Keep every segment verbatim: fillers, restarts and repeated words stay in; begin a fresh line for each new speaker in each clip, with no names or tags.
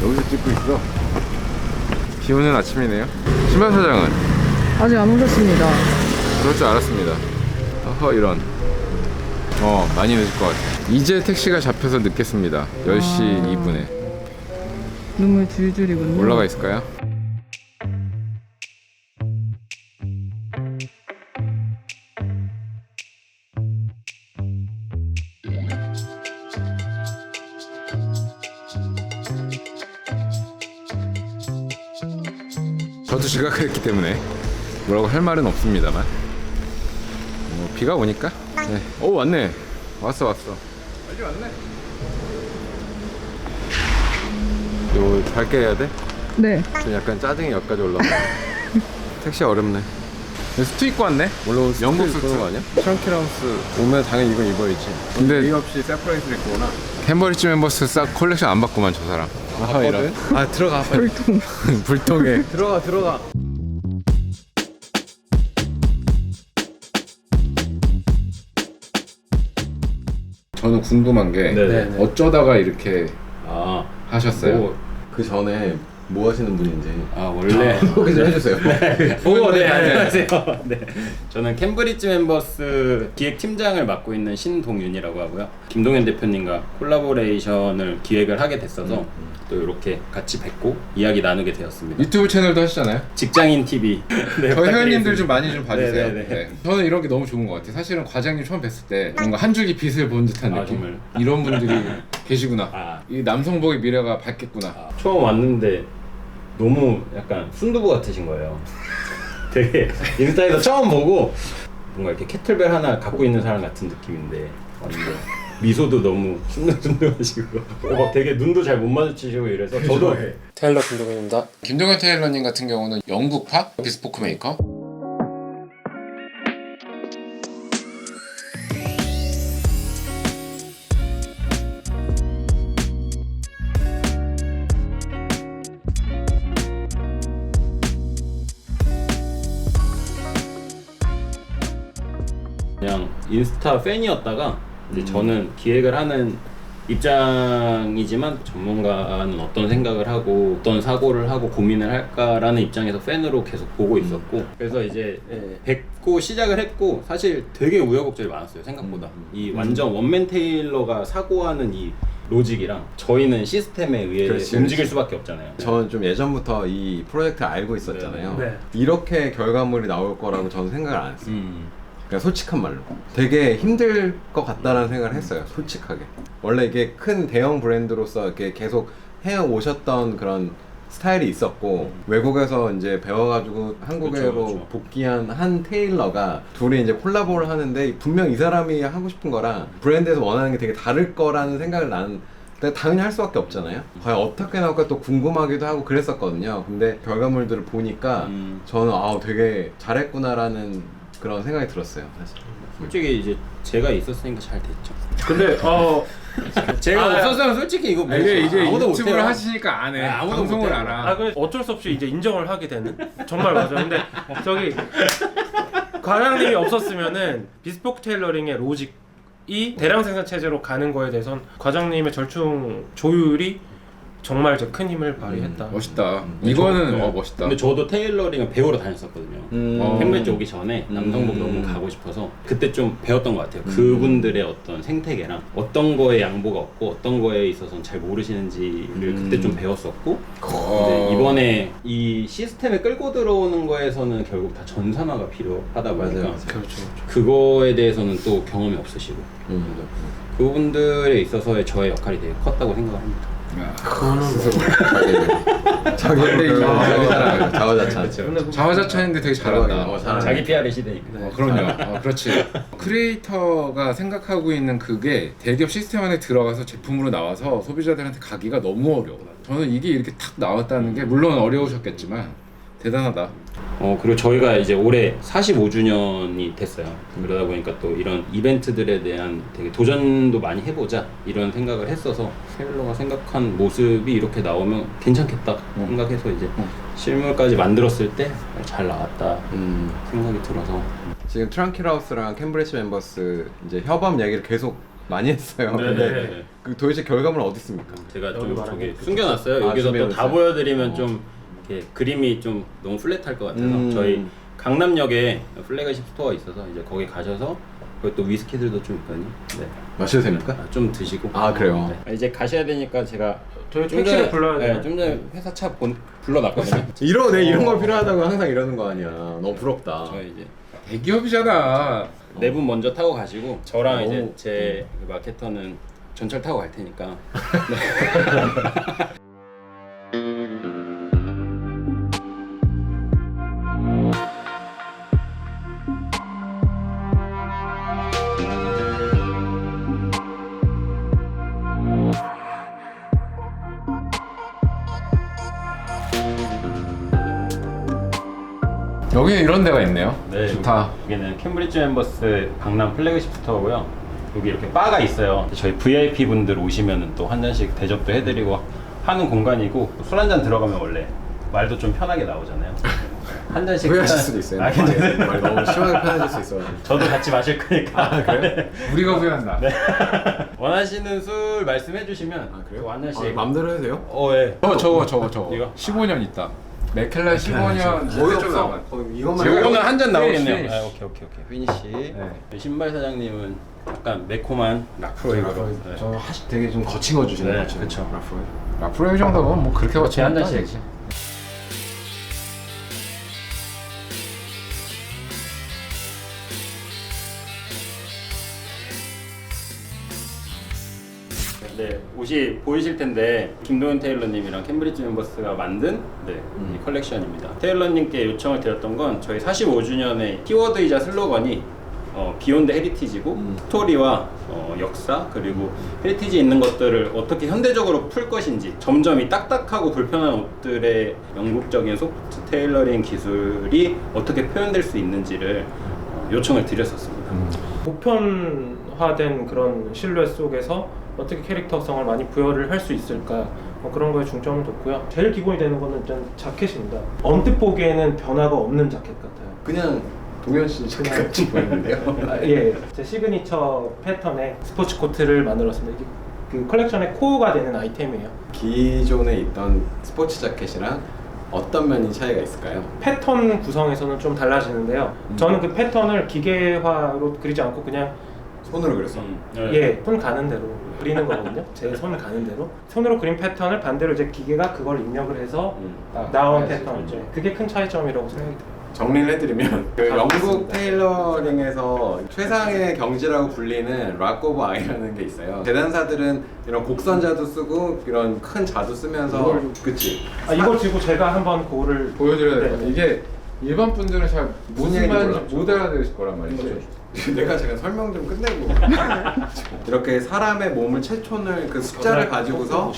여기서 찍고 있어. 비 오는 아침이네요. 신발 사장은
아직 안 오셨습니다.
그럴 줄 알았습니다. 어허 이런. 어 많이 늦을 것 같아. 이제 택시가 잡혀서 늦겠습니다. 열 시 이 분에
눈물 줄줄이군요.
올라가 있을까요? 저도 지각했기 때문에 뭐라고 할 말은 없습니다만 뭐 비가 오니까 네. 오 왔네. 왔어 왔어. 빨리 왔네. 이거 밝게 해야 돼?
네.
좀 약간 짜증이 여기까지 올라와. 택시 어렵네. 수트 입고 왔네? 물론 영국 수트 거 아니야? 트렁키라우스 오면 당연히 이건 입어야지. 근데 이유 없이 세퍼레이트를 입고 오나? 캠버리지 멤버스 싹 콜렉션 안 받구만 저 사람. 아하 이런. 아 들어가 빨리.
불통.
불통에 들어가 들어가. 저는 궁금한 게
네네.
어쩌다가 이렇게
아,
하셨어요?
뭐,
그 전에 뭐 하시는 분인지
아 원래
소개 좀 해주세요.
오, 네, 안녕하세요. 네, 저는 캠브리지 멤버스 기획팀장을 맡고 있는 신동윤이라고 하고요. 김동현 대표님과 콜라보레이션을 기획을 하게 됐어서
음,
또 이렇게 같이 뵙고 이야기 나누게 되었습니다.
유튜브 채널도 하시잖아요?
직장인 티비. 네,
저희 회원님들
부탁드리겠습니다.
좀 많이 좀 봐주세요.
네네네.
네. 저는 이런 게 너무 좋은 것 같아요. 사실은 과장님 처음 뵀을 때 뭔가 한 줄기 빛을 본 듯한
아,
느낌.
정말.
이런 분들이 계시구나.
아.
이 남성복의 미래가 밝겠구나.
아, 처음 왔는데 너무 약간 순두부 같으신 거예요. 되게 인스타에서 처음 보고 뭔가 이렇게 캐틀벨 하나 갖고 있는 사람 같은 느낌인데 완전 미소도 너무 순둥순둥하시고 막 되게 눈도 잘 못 마주치시고 이래서 저도
테일러 김동현입니다.
김동현 테일러님 같은 경우는 영국파 비스포크 메이커.
그냥 인스타 팬이었다가 이제 저는 기획을 하는 입장이지만 전문가는 어떤 생각을 하고 어떤 사고를 하고 고민을 할까라는 입장에서 팬으로 계속 보고 있었고 그래서 이제 뵙고 시작을 했고 사실 되게 우여곡절이 많았어요 생각보다. 이 완전 원맨 테일러가 사고하는 이 로직이랑 저희는 시스템에 의해
그렇지,
움직일
그렇지.
수밖에 없잖아요.
저는 좀 예전부터 이 프로젝트 알고 있었잖아요.
네. 네.
이렇게 결과물이 나올 거라고 저는 생각을 안 했어요.
음.
그냥 솔직한 말로 되게 힘들 것 같다라는 생각을 했어요. 솔직하게. 원래 이게 큰 대형 브랜드로서 이렇게 계속 해 오셨던 그런 스타일이 있었고 외국에서 이제 배워가지고 한국으로
그쵸, 그쵸.
복귀한 한 테일러가 둘이 이제 콜라보를 하는데 분명 이 사람이 하고 싶은 거랑 브랜드에서 원하는 게 되게 다를 거라는 생각을 나는 당연히 할 수밖에 없잖아요. 과연 어떻게 나올까 또 궁금하기도 하고 그랬었거든요. 근데 결과물들을 보니까
음.
저는 아 되게 잘했구나라는 그런 생각이 들었어요. 사실.
솔직히 이제 제가 있었으니까 잘 됐죠.
근데 어
제가
아,
없었으면 솔직히 이거 뭐
이게 이제
아무도
유튜브를
못해요.
하시니까 안 해.
아, 아무도
방송을
못해요.
알아.
아, 그 어쩔 수 없이 이제 인정을 하게 되는 정말 맞아요. 근데 저기 과장님이 없었으면은 비스포크 테일러링의 로직이 대량 생산 체제로 가는 거에 대해선 과장님의 절충 조율이 정말 저 큰 힘을 발휘했다.
멋있다. 이거는
저-
어 멋있다.
근데 저도 테일러링을 배우러 다녔었거든요.
음.
어.
캠브리지 오기 전에 남성복
음.
너무 가고 싶어서 그때 좀 배웠던 것 같아요. 그분들의 어떤 생태계랑 어떤 거에 양보가 없고 어떤 거에 있어서는 잘 모르시는지를 그때 좀 배웠었고
어.
근데 이번에 이 시스템에 끌고 들어오는 거에서는 결국 다 전산화가 필요하다 보니까
맞아요.
그렇죠.
그거에 대해서는 또 경험이 없으시고
음.
그분들에 있어서의 저의 역할이 되게 컸다고 생각을 합니다.
스스로
자기
근데
자기 사랑 자화자찬.
근데
자화자찬인데 되게 잘한다.
어, 잘하네.
자기 피알의 시대니까.
어, 그럼요. 어, 그렇지. 크리에이터가 생각하고 있는 그게 대기업 시스템 안에 들어가서 제품으로 나와서 소비자들한테 가기가 너무 어려워. 저는 이게 이렇게 탁 나왔다는 게 물론 어려우셨겠지만 대단하다.
어 그리고 저희가 이제 올해 사십오 주년이 됐어요. 그러다 보니까 또 이런 이벤트들에 대한 되게 도전도 많이 해보자 이런 생각을 했어서 테일러가 생각한 모습이 이렇게 나오면 괜찮겠다 생각해서 이제 실물까지 만들었을 때 잘 나왔다
음.
생각이 들어서
지금 트렁키라우스랑 캠브리지 멤버스 이제 협업 얘기를 계속 많이 했어요.
네,
근데
네, 네.
그 도대체 결과물은 어디 있습니까?
제가
여기
좀
말한
저기
게
숨겨놨어요.
아,
여기서 또 다
준비해놨어요?
보여드리면
어.
좀 이렇게 그림이 좀 너무 플랫할 것 같아서
음.
저희 강남역에 플래그십 스토어가 있어서 이제 거기 가셔서 거기 또 위스키들도 좀 있거든요. 네.
마셔도 됩니까?
아, 좀 드시고.
아, 그래요?
네. 이제 가셔야 되니까 제가
저희
좀
택시를
전에-
불러야 돼요.
네, 좀 전에 회사 차 본, 불러놨거든요.
이러 내 이런 거 필요하다고 항상 이러는 거 아니야. 너무 부럽다.
저희 이제
대기업이잖아.
네 분 먼저 타고 가시고 저랑
오.
이제 제 마케터는 전철 타고 갈 테니까.
여기 이런 데가 있네요.
네,
좋다.
여기는 캠브리지 멤버스 강남 플래그십 스토어고요. 여기 이렇게 바가 있어요. 저희 브이아이피 분들 오시면은 또 한 잔씩 대접도 해드리고 하는 공간이고 술 한 잔 들어가면 원래 말도 좀 편하게 나오잖아요. 한 잔씩
후회하실
일단-
수도 있어요.
아, 괜찮아요.
말 너무 심하게 편해질 수 있어.
저도 같이 마실 거니까.
아, 그래요?
우리가 후회한다.
원하시는 술 말씀해 주시면
아, 그래요?
또한 잔씩.
아, 맘대로 해도 돼요?
어, 예.
저거 저거 저거 저거.
이거?
십오 년 있다. 맥켈라 십오 년
거의
좀
없어.
남았-
거의 이것만
제가
해도-
오늘 한 잔 나오겠네요.
피니쉬.
아, 오케이, 오케이, 오케이. 피니쉬.
네.
신발 사장님은 약간 매콤한 락프로이거로. 네.
저 하시 되게 좀 거친 거 주시는
네,
거죠.
그쵸.
라프로이.
라프로이 정도면 뭐 그렇게 거치
한 잔씩. 네, 옷이 보이실 텐데 김도현 테일러님이랑 캠브리지 멤버스가 만든 네,
음.
이 컬렉션입니다. 테일러님께 요청을 드렸던 건 저희 사십오 주년의 키워드이자 슬로건이 어, 비욘드 헤리티지고
음.
스토리와 어, 역사 그리고 헤리티지 있는 것들을 어떻게 현대적으로 풀 것인지 점점 이 딱딱하고 불편한 옷들의 영국적인 소프트 테일러링 기술이 어떻게 표현될 수 있는지를 어, 요청을 드렸었습니다.
보편화된 그런 실루엣 속에서 어떻게 캐릭터성을 많이 부여를 할 수 있을까 뭐 그런 거에 중점을 뒀고요. 제일 기본이 되는 거는 일단 자켓입니다. 언뜻 보기에는 변화가 없는 자켓 같아요.
그냥 동현 씨 자켓 같이 보이는데요.
아, 예, 제 시그니처 패턴의 스포츠 코트를 만들었습니다. 이게 그 컬렉션의 코어가 되는 아이템이에요.
기존에 있던 스포츠 자켓이랑 어떤 면이 차이가 있을까요?
패턴 구성에서는 좀 달라지는데요.
음.
저는 그 패턴을 기계화로 그리지 않고 그냥
손으로 그렸어.
음, 네.
예, 손 가는 대로 그리는 거거든요. 제 손을 가는 대로 손으로 그린 패턴을 반대로 이제 기계가 그걸 입력을 해서
음.
나- 나온
네,
패턴이죠.
그렇죠.
그게 큰 차이점이라고 생각이 들어요.
정리를 해드리면 그
다
영국
맞습니다.
테일러링에서 최상의 경지라고 불리는 락 오브 아이라는 게 있어요. 재단사들은 이런 곡선자도 쓰고 이런 큰 자도 쓰면서
이걸-
그치.
아, 이걸 들고 제가 한번 그거를
보여드려야
네.
될 것 이게 일반 분들은 잘 무슨
얘기인지
말인지
몰라.
못 알아들으실 거란 말이죠.
내가 제가 설명 좀 끝내고 이렇게 사람의 몸을 채촌을 그 숫자를 가지고서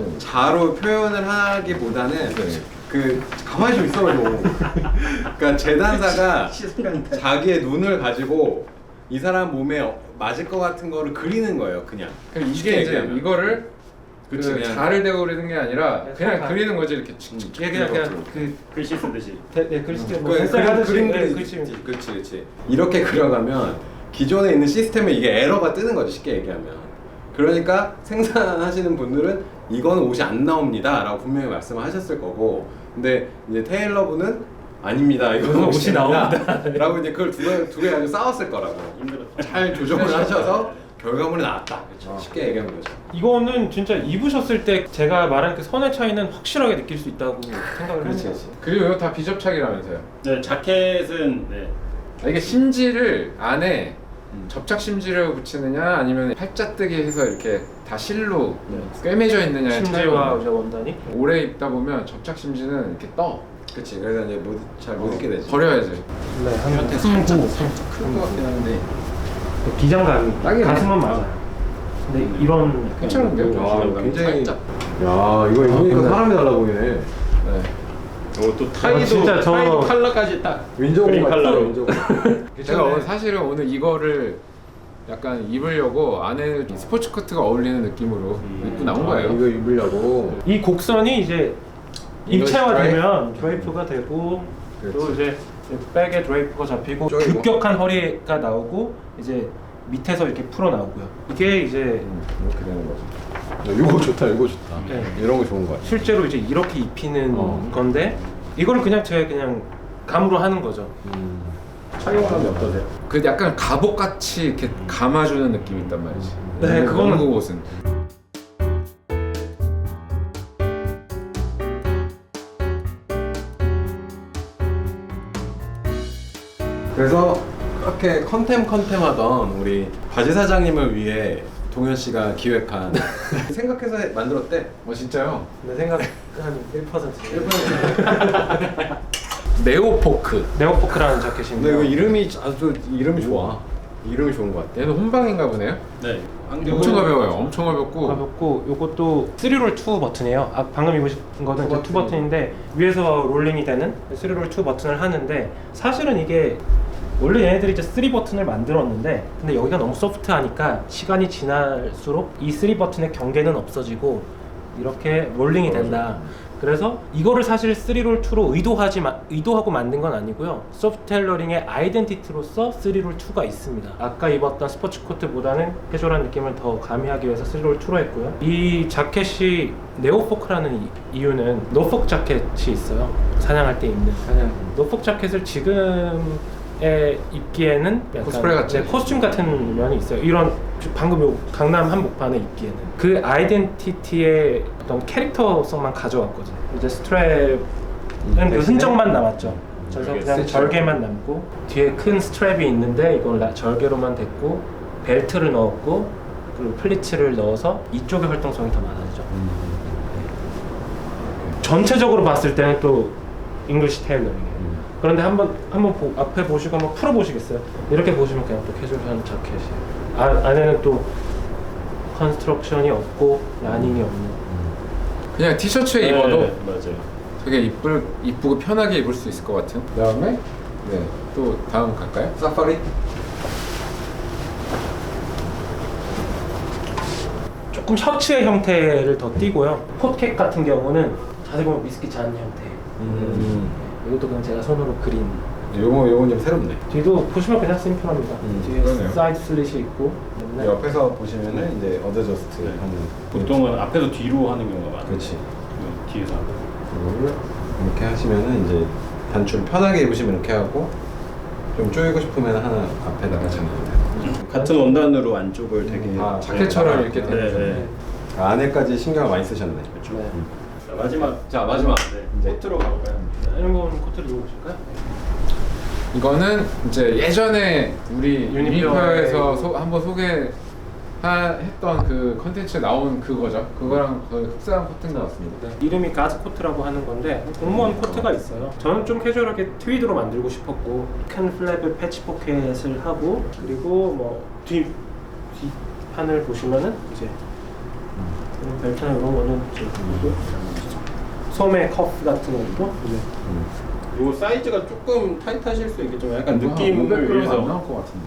자로 표현을 하기보다는 그 가만히 좀 있어가지고 그러니까 재단사가 자기의 눈을 가지고 이 사람 몸에 어- 맞을 것 같은 거를 그리는 거예요 그냥.
그럼 이게
쉽게
이제
얘기하면.
이거를 그
그치, 그냥.
자를 대고 그리는 게 아니라
네,
그냥
손
그리는 거지 이렇게.
예, 그냥 그냥 그
글씨 쓰듯이.
대, 네, 글씨 뭐
그
펜슬
그림
하듯이
그림
네,
그리
글씨
그렇지 그렇지 이렇게 그려가면 기존에 있는 시스템에 이게 에러가 뜨는 거죠 쉽게 얘기하면. 그러니까 생산하시는 분들은 이거는 옷이 안 나옵니다 라고 분명히 말씀을 하셨을 거고 근데 이제 테일러분은 아닙니다 이거는
이거는
옷이
옷이
나옵니다 라고 이제 그걸 두개 두개 가지고 싸웠을 거라고
힘들었다.
잘 조정을 하셔서 결과물이 나왔다 쉽게 얘기하는 거죠.
이거는 진짜 입으셨을 때 제가 말한 그 선의 차이는 확실하게 느낄 수 있다고 생각을
그렇지,
합니다.
그렇지.
그리고 이거 다 비접착이라면서요.
네, 자켓은 네.
아, 이게 심지를 안에 접착 심지를 붙이느냐 아니면 팔자뜨기 해서 이렇게 다 실로 꿰매져 있느냐의
심지와
차이가
이제 원단이
오래 입다 보면 접착 심지는 이렇게 떠.
그렇지 그래서 이제 잘 못 입게 되지.
버려야지.
네, 한 살짝
클것 같긴 한데
기장감이
딱이네.
가슴은 맞아요. 근데 이런
괜찮은데요?
와
기장감이
굉장히
살짝.
야 이거 입으니까 사람이 달라 보이네.
네.
어, 또 타이도
진짜 저-
타이도 컬러까지 딱
윈저고
그린
같아
컬러로.
윈저고.
제가 오늘 사실은 오늘 이거를 약간 입으려고 안에 스포츠 코트가 어울리는 느낌으로 입고 나온 거예요.
이거 입으려고.
이 곡선이 이제
이거
입체화되면 드레이프가 되고 또
그렇지.
이제 백에 드레이프가 잡히고
쪼이고.
급격한 허리가 나오고 이제 밑에서 이렇게 풀어 나오고요. 이게 이제
음, 이렇게 되는 거죠. 이거 좋다, 이거 좋다.
네.
이런 거 좋은 거 같아.
실제로 이제 이렇게 입히는
어.
건데 이거를 그냥 제가 그냥 감으로 하는 거죠.
착용감이 어떠세요?
그 약간 갑옷같이 이렇게 감아주는 느낌이 있단 말이지.
네, 그거는-
영국 옷은.
그래서 그렇게 컨템 컨템 하던 우리 바지 사장님을 위해 동현 씨가 기획한 생각해서 만들었대.
어 진짜요?
내 생각 한 일 퍼센트.
네오포크.
네오포크라는
근데
자켓인데요.
이거 이름이 아주 이름이 좋아. 이름이 좋은 것 같아.
얘는 혼방인가 보네요.
네.
엄청 가벼워요. 엄청 가볍고.
가볍고 요것도 쓰리롤 투 버튼이에요. 아, 방금 입으신 거는 이제 투 버튼인데 위에서 롤링이 되는 쓰리롤 투 버튼을 하는데 사실은 이게 원래 얘네들이 이제 쓰리 버튼을 만들었는데 근데 여기가 너무 소프트하니까 시간이 지날수록 이 쓰리 버튼의 경계는 없어지고 이렇게 롤링이 된다. 그래서 이거를 사실 쓰리롤 투로 의도하지 마, 의도하고 만든 건 아니고요. 소프트 테일러링의 아이덴티티로서 쓰리롤 투가 있습니다. 아까 입었던 스포츠 코트보다는 캐주얼한 느낌을 더 가미하기 위해서 쓰리롤 투로 했고요. 이 자켓이 네오포크라는 이, 이유는 노폭 자켓이 있어요. 사냥할 때 입는. 사냥. 노폭 자켓을 지금에 입기에는 약간
코스프레 같지?
네, 코스튬 같은 면이 있어요. 이런 방금 요 강남 한복판에 입기에는 그 아이덴티티의 어떤 캐릭터성만 가져왔거든요. 이제 스트랩은 그 흔적만 남았죠. 그래서
절개
그냥
스티치.
절개만 남고 뒤에 큰 스트랩이 있는데 이걸 라- 절개로만 됐고 벨트를 넣었고 그리고 플리츠를 넣어서 이쪽의 활동성이 더 많아지죠. 전체적으로 봤을 때는 또 잉글리시 테일러링이에요. 그런데 한번 한번 보- 앞에 보시고 한번 풀어 보시겠어요? 이렇게 보시면 그냥 또 캐주얼한 자켓이에요. 아, 안에는 또 컨스트럭션이 없고 라닝이 없는.
그냥 티셔츠에 입어도
네, 맞아요.
되게 이쁠 이쁘고 편하게 입을 수 있을 것 같은. 그다음에 네, 또 다음 갈까요?
사파리?
조금 셔츠의 형태를 더 띄고요. 포켓 같은 경우는 자세히 보면 미스키 잔 형태.
음.
이것도 그냥 제가 손으로 그린.
요거 요건 좀 새롭네.
뒤도 보시면 그냥 심플합니다.
음,
뒤에
그러네요.
사이드 슬릿이 있고. 그다음에
옆에서 보시면은 이제 어드저스트
네.
하는.
보통은 앞에서 뒤로 하는 경우가 많아요.
그렇지.
그 뒤에서 하는.
이거를 이렇게 하시면은 이제 단추를 편하게 입으시면 이렇게 하고 좀 조이고 싶으면 하나 앞에다가 잡는다.
같은 원단으로 안쪽을 되게
아,
자켓처럼
네.
이렇게
네,
되는
네.
아, 안에까지 신경을 많이 쓰셨네.
그렇죠.
네.
자, 마지막.
자, 마지막.
네.
이제
코트로 가볼까요?
이런 건 코트를 입어보실까요?
이거는 이제 예전에 우리
유니피어에-
유니피어에서 소, 한번 소개했던 그 컨텐츠에 나온 그거죠. 그거랑 거의 흡사한 코트인 것 같습니다.
네. 이름이 가즈 코트라고 하는 건데 공무원 코트가 있어요. 저는 좀 캐주얼하게 트위드로 만들고 싶었고 큰 플랩을 패치 포켓을 하고 그리고 뭐뒤 뒷판을 보시면은 이제 이런 벨트나 이런 거는 이제 그리고 소매 커프 같은 것도 이제
요 사이즈가 조금 타이트하실 수 있겠지만 약간
이거 한 오백
느낌을
그램 안
위해서
나올 것 같은데.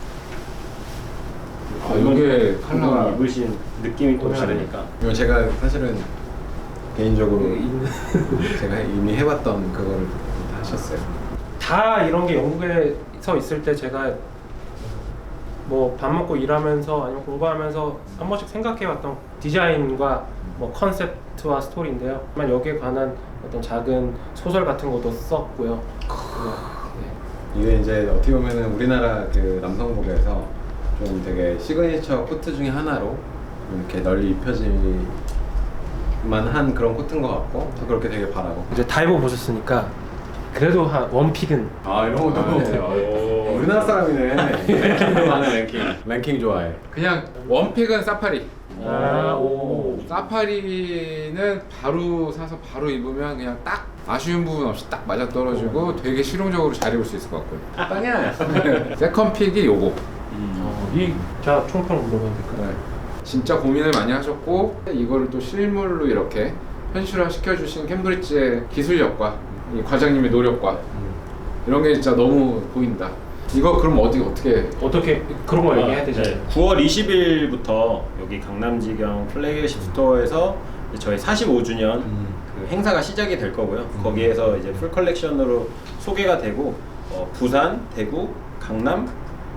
아,
이건
이게
방금
컬러가
입으신 느낌이 또
오늘
다르니까.
이거 제가 사실은 개인적으로 제가 이미 해봤던 그거를 하셨어요.
다 이런 게 영국에서 있을 때 제가 뭐 밥 먹고 일하면서 아니면 공부하면서 한 번씩 생각해왔던 디자인과 뭐 컨셉트와 스토리인데요. 만 여기에 관한 어떤 작은 소설 같은 것도 썼고요. 네.
이게 이제 어떻게 보면은 우리나라 그 남성복에서 좀 되게 시그니처 코트 중에 하나로 이렇게 널리 입혀질만 한 그런 코트인 것 같고 또 그렇게 되게 바라고.
이제 다 입어보셨으니까 그래도 한 원픽은
아 이런 것도
오.
우리나라 사람이네. 랭킹도 많은 랭킹. 랭킹 좋아해.
그냥 원픽은 사파리.
아, 오.
사파리는 바로 사서 바로 입으면 그냥 딱 아쉬운 부분 없이 딱 맞아 떨어지고 되게 실용적으로 잘 입을 수 있을 것 같고요.
땅이야.
세컨 픽이 요거.
어, 이 자 총평 물어봐도 될까요?
네. 진짜 고민을 많이 하셨고 이거를 또 실물로 이렇게 현실화 시켜주신 캠브리지의 기술력과 이 과장님의 노력과 이런 게 진짜 너무 보인다. 이거 그럼 어디 어떻게?
어떻게 그런 거 얘기해야 되죠?
네. 구월 이십일부터 여기 강남지경 플래그십 스토어에서 이제 저희 사십오 주년 그 행사가 시작이 될 거고요. 거기에서 이제 풀 컬렉션으로 소개가 되고 어, 부산, 대구, 강남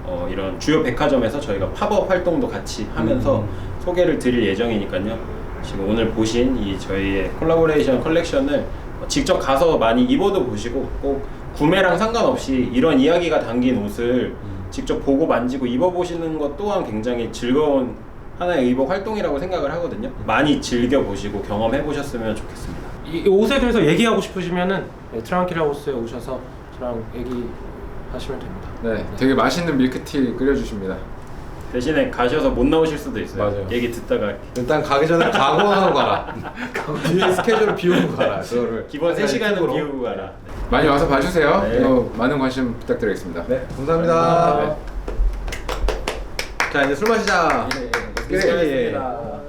어, 이런 주요 백화점에서 저희가 팝업 활동도 같이 하면서
음.
소개를 드릴 예정이니까요. 지금 오늘 보신 이 저희의 콜라보레이션 컬렉션을 직접 가서 많이 입어도 보시고 꼭 구매랑 상관없이 이런 이야기가 담긴 옷을 직접 보고 만지고 입어보시는 것 또한 굉장히 즐거운 하나의 의복 활동이라고 생각을 하거든요. 많이 즐겨보시고 경험해보셨으면 좋겠습니다.
이 옷에 대해서 얘기하고 싶으시면은 네, 트랑키라 하우스에 오셔서 저랑 얘기하시면 됩니다.
네, 되게 맛있는 밀크티 끓여주십니다.
대신에 가셔서 못 나오실 수도 있어요.
맞아요.
얘기 듣다가
일단 가기 전에 각오하고 가라. 뒤에 스케줄을 비우고 가라. 그거를
기본 세 시간은
팁으로.
비우고 가라.
많이 와서 봐주세요.
네.
또 많은 관심 부탁드리겠습니다.
네, 감사합니다.
네.
자, 이제 술 마시자.
네,
예, 예, 예.